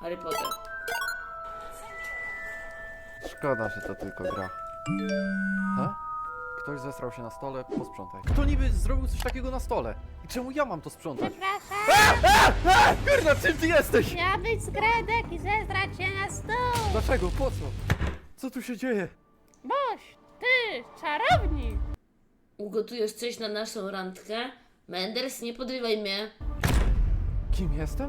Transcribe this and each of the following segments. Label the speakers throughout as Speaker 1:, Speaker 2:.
Speaker 1: Harry Potter.
Speaker 2: Szkoda, że to tylko gra. Ha? Ktoś zesrał się na stole, posprzątaj. Kto niby zrobił coś takiego na stole? I czemu ja mam to sprzątać?
Speaker 3: Przepraszam,
Speaker 2: Kurna, czym ty jesteś?
Speaker 3: miała być skredek i zestrać się na stół.
Speaker 2: Dlaczego? Po co? Co tu się dzieje?
Speaker 3: Boś, ty, czarownik.
Speaker 1: Ugotujesz coś na naszą randkę? Menders, nie podrywaj mnie.
Speaker 2: Kim jestem?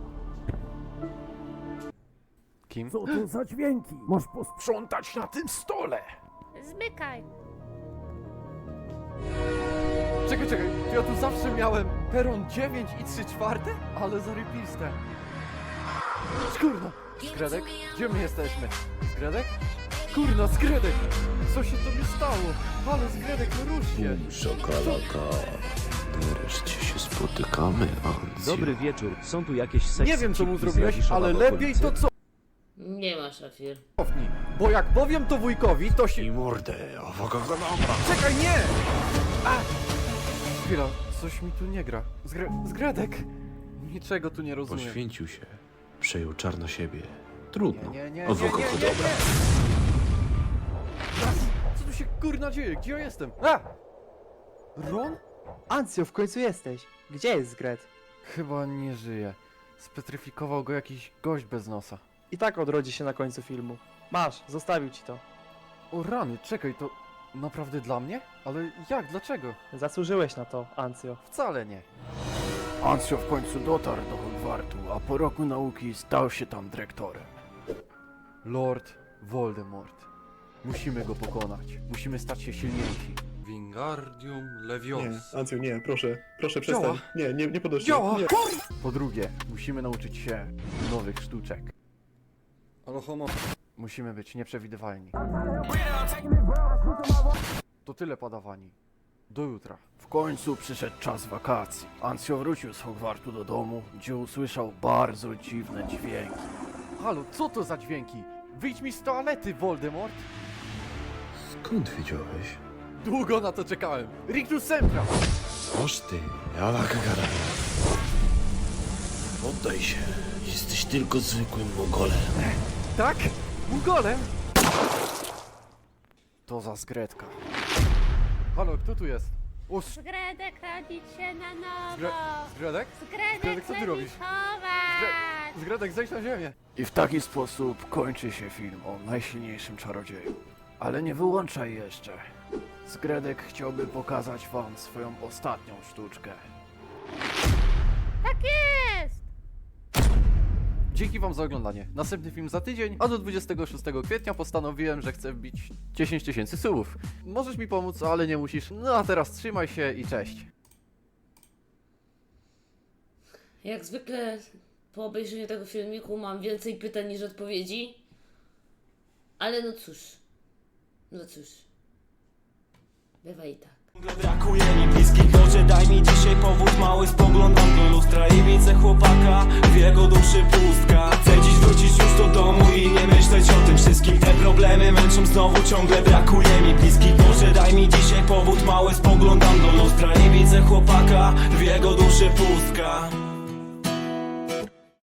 Speaker 2: Kim?
Speaker 4: Co to za dźwięki? Masz posprzątać na tym stole!
Speaker 3: Zmykaj.
Speaker 2: Czekaj, ja tu zawsze miałem peron 9 i 3/4? Ale zarypiste. Kurna! Skredek? Gdzie my jesteśmy? Skredek? Kurna, Skredek! Co się tobie stało? Ale Skredek, no rusz się!
Speaker 5: Szokolaka. Nareszcie się spotykamy, Ancja.
Speaker 6: Dobry wieczór, są tu jakieś seksy.
Speaker 2: Nie wiem co mu
Speaker 6: cipki z
Speaker 2: zrobiłeś,
Speaker 6: Radiszowa
Speaker 2: ale
Speaker 6: w
Speaker 2: lepiej
Speaker 6: okolicy?
Speaker 2: to
Speaker 1: Nie ma szafir.
Speaker 2: cofnij. Bo jak powiem to wujkowi, to się...
Speaker 5: I mordę, awogadabra.
Speaker 2: Czekaj, nie! A! Chwila, coś mi tu nie gra. Zgredek! Niczego tu nie rozumiem.
Speaker 5: Poświęcił się. Przejął czar na siebie. Trudno.
Speaker 2: Nie.
Speaker 5: Awogadabra.
Speaker 2: Co tu się kurna dzieje? Gdzie ja jestem? A! Ron?
Speaker 7: Ancjo, w końcu jesteś. Gdzie jest Zgret?
Speaker 2: Chyba nie żyje. Spetryfikował go jakiś gość bez nosa.
Speaker 7: I tak odrodzi się na końcu filmu. Masz, zostawił ci to.
Speaker 2: O rany, czekaj, to naprawdę dla mnie? Ale jak? Dlaczego?
Speaker 7: Zasłużyłeś na to, Ancjo.
Speaker 2: Wcale nie.
Speaker 4: Ancio w końcu dotarł do Hogwartu, a po roku nauki stał się tam dyrektorem.
Speaker 2: Lord Voldemort. Musimy go pokonać. Musimy stać się silniejsi.
Speaker 8: Wingardium
Speaker 9: Nie,
Speaker 8: Leviosa.
Speaker 9: Ancju, nie, proszę, proszę
Speaker 2: Działa.
Speaker 9: przestań. Nie podnoś się.
Speaker 2: Działa!
Speaker 9: Nie.
Speaker 2: Po drugie, musimy nauczyć się nowych sztuczek.
Speaker 8: Ale homo...
Speaker 2: Musimy być nieprzewidywalni. To tyle, padawani. Do jutra.
Speaker 4: W końcu przyszedł czas wakacji. Ancio wrócił z Hogwartu do domu, gdzie usłyszał bardzo dziwne dźwięki.
Speaker 2: Halo, co to za dźwięki? Wyjdź mi z toalety, Voldemort!
Speaker 5: Skąd wiedziałeś?
Speaker 2: Długo na to czekałem. Rictus Sempra!
Speaker 5: Oż ty, awogadabra. Poddaj się. Jesteś tylko zwykłym mogolem.
Speaker 2: Tak? Mugolem? To za Zgredka. Halo, kto tu jest? O,
Speaker 3: Skredek rodzić się na nowo.
Speaker 2: Zgredek?
Speaker 3: Skredek
Speaker 2: Skredek, co ty robisz?
Speaker 3: chować.
Speaker 2: Zgredek, zejdź na ziemię.
Speaker 4: I w taki sposób kończy się film o najsilniejszym czarodzieju. Ale nie wyłączaj jeszcze. Zgredek chciałby pokazać wam swoją ostatnią sztuczkę.
Speaker 3: Tak jest.
Speaker 2: Dzięki wam za oglądanie. Następny film za tydzień, a do 26 kwietnia postanowiłem, że chcę wbić 10 000 subów. Możesz mi pomóc, ale nie musisz. No a teraz trzymaj się i cześć.
Speaker 1: Jak zwykle po obejrzeniu tego filmiku mam więcej pytań niż odpowiedzi. Ale no cóż. Bywa i tak.
Speaker 10: Brakuje mi bliskich, Boże daj mi dzisiaj powód mały. Spoglądam do lustra i widzę chłopaka, w jego duszy pustka. Chcę dziś wrócić już do domu i nie myśleć o tym wszystkim. Te problemy męczą znowu, ciągle brakuje mi bliskich. Boże daj mi dzisiaj powód mały. Spoglądam do lustra i widzę chłopaka, w jego duszy pustka.